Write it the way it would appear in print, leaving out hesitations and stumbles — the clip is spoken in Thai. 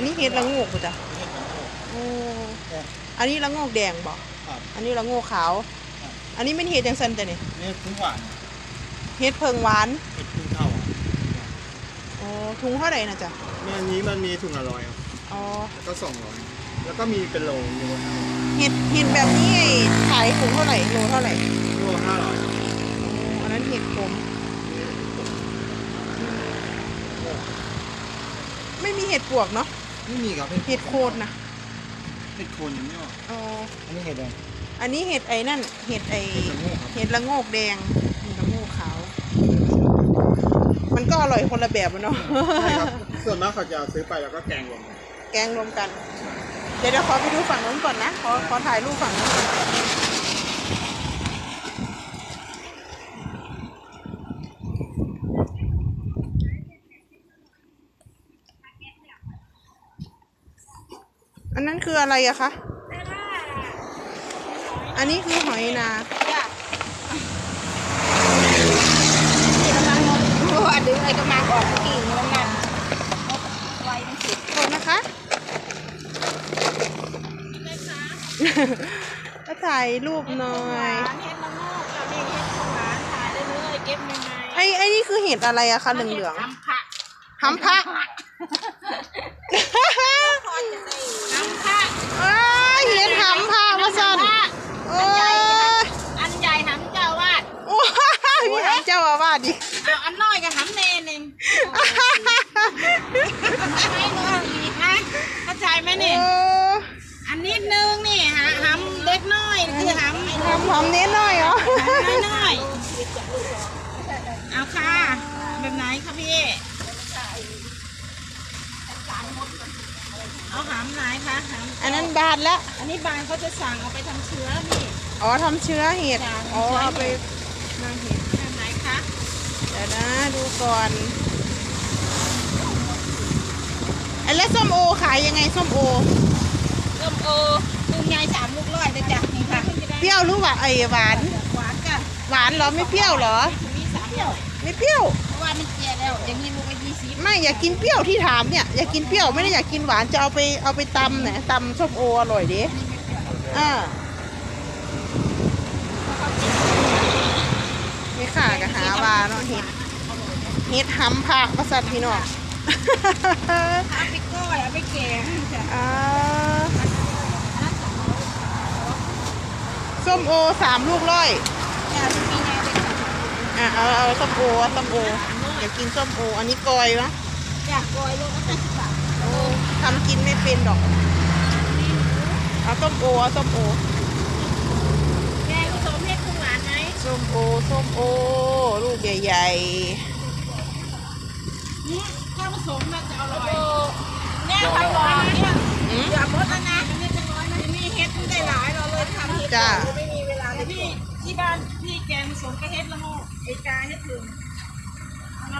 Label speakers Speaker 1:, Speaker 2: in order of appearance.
Speaker 1: นี้เห็ดละโงกป่ะจ๊ะ
Speaker 2: เห็ดละโงก
Speaker 1: โอ้อันนี้ละโงกแดงบ่
Speaker 2: ครับ
Speaker 1: อันนี้ละโงกขาวอันนี้เป็นเห็ดจังซันแต่นี่
Speaker 2: นี่ทุ่งหวาน
Speaker 1: เห็ดเพิงหวาน
Speaker 2: เห็ดทุ่งเท่า
Speaker 1: โอ้ถุงเท่าไหร่นะจ๊ะ
Speaker 2: แม่นี้มันมีถุงละ100
Speaker 1: อ๋อ
Speaker 2: แล้วก็200แล้วก็มีเป็นโลอยู่บนนั้น
Speaker 1: เห็ดแบบนี้ขายถุงเท่าไหร่โลเท่าไหร่
Speaker 2: โล500
Speaker 1: อันนั้นเห็ดขมไม่มีเห็ดปวกเนาะ
Speaker 2: ไม่มีครับ
Speaker 1: เห็ดโคนนะ
Speaker 2: เห็ดโคนยังไม่ออก
Speaker 1: อ๋อ
Speaker 2: อันนี้เห็ดอะไร
Speaker 1: อันนี้เห็ดไอ้นั่นเห็ดเห็ดละโงกแดงละโงกขาวมันก็อร่อยคนละแบบเนาะ
Speaker 2: ใช่ครับส่วนมากเขาจะซื้อไปแล้วก็แกงรวม
Speaker 1: กันเดี๋ยวขอไปดูฝั่งนู้นก่อนนะขอถ่ายรูปฝั่งนู้นก่อนอันนั้นคืออะไรอะคะอันนี้คือหอยนา
Speaker 3: อันนี้ไอ้กำลังออกกิ่งมันนั่นไว้มันสุด
Speaker 1: โทษนะคะก็ถ่ายรูปหน่อย
Speaker 3: เห็ดมะม่วงกับเห็ดหวานถ่ายได้เลยเก็บใหม่
Speaker 1: ไอ้นี่คือเห็ดอะไรอะคะเหลือง
Speaker 3: ๆหำพะ
Speaker 1: เห็ดหำพะมาสั่น
Speaker 3: อันใหญ่หำเจ้าวาด
Speaker 1: โอ้ยมีหำเจ้าอาวาสดิ
Speaker 3: เอาอันน้อยกับหำเนนเองให้น้อยอีกนะเข้าใจไหมนี่อันนิดนึงนี่หำเล็กน้อยคือห
Speaker 1: ำเน้นน้อยเหรอ
Speaker 3: น้อยเอาค่ะแบบไหนคะพี่เอาหำไหนคะ
Speaker 1: อันนั้นบานแล้ว
Speaker 3: อันนี้บานเขาจะสั่งเอาไปทำเชื้อนี่
Speaker 1: อ๋อทำเชื้อเห็ดอ๋อเอาไปมาเห็ด
Speaker 3: แบบไหนคะ
Speaker 1: เดี๋ยวนะดูก่อนแล้วส้มโอขายยังไงส้มโอ
Speaker 3: ลูกใหญ่3 ลูก100เลยจ้ะนี่ค่ะ
Speaker 1: เปรี้ยวหรือว่าหวาน
Speaker 3: จ้ะ
Speaker 1: หวานเหรอไม่เปรี้ยวเหรอ
Speaker 3: มี3 เปรี้ยว
Speaker 1: ไม่เปรี้ยว
Speaker 3: เพราะว่ามันเจียแล้วอย่างนี้ลูกละ20
Speaker 1: ไม่อยากกินเปรี้ยวที่ถามเนี่ยอยากกินเปรี้ยวไม่ได้อยากกินหวานจะเอาไปตำเนี่ยตำส้มโออร่อยดิไม่ข่ากับหาวาเนาะเห็ดหำผักประสันพี่น้อง
Speaker 3: เอาไปก้อยเอาไปแกง
Speaker 1: ส้มโอ3 ลูก100เอาส้มโออยากกินส้มโออันนี้กอยนะ
Speaker 3: อยากกอยลูกละ50 บาท
Speaker 1: ทำกินไม่เป็นดอกเอาส้มโอ
Speaker 3: แกงผสมเห็ดหวานไหม
Speaker 1: ส้มโอลูกใหญ่
Speaker 3: นี่ถ้าผสมมันจะอร่อยเนี่ยทำร้อยเนี่ยอย่าหมดแล้วนะนี่จะร้อยนะนี่เห็ดได้หลายเราเลยทำเห็ดไม่มีเวลาเลยพี่ที่บ้านพี่แกงผสมกับเห็ดละโงกไอ้กาเห็ดถึง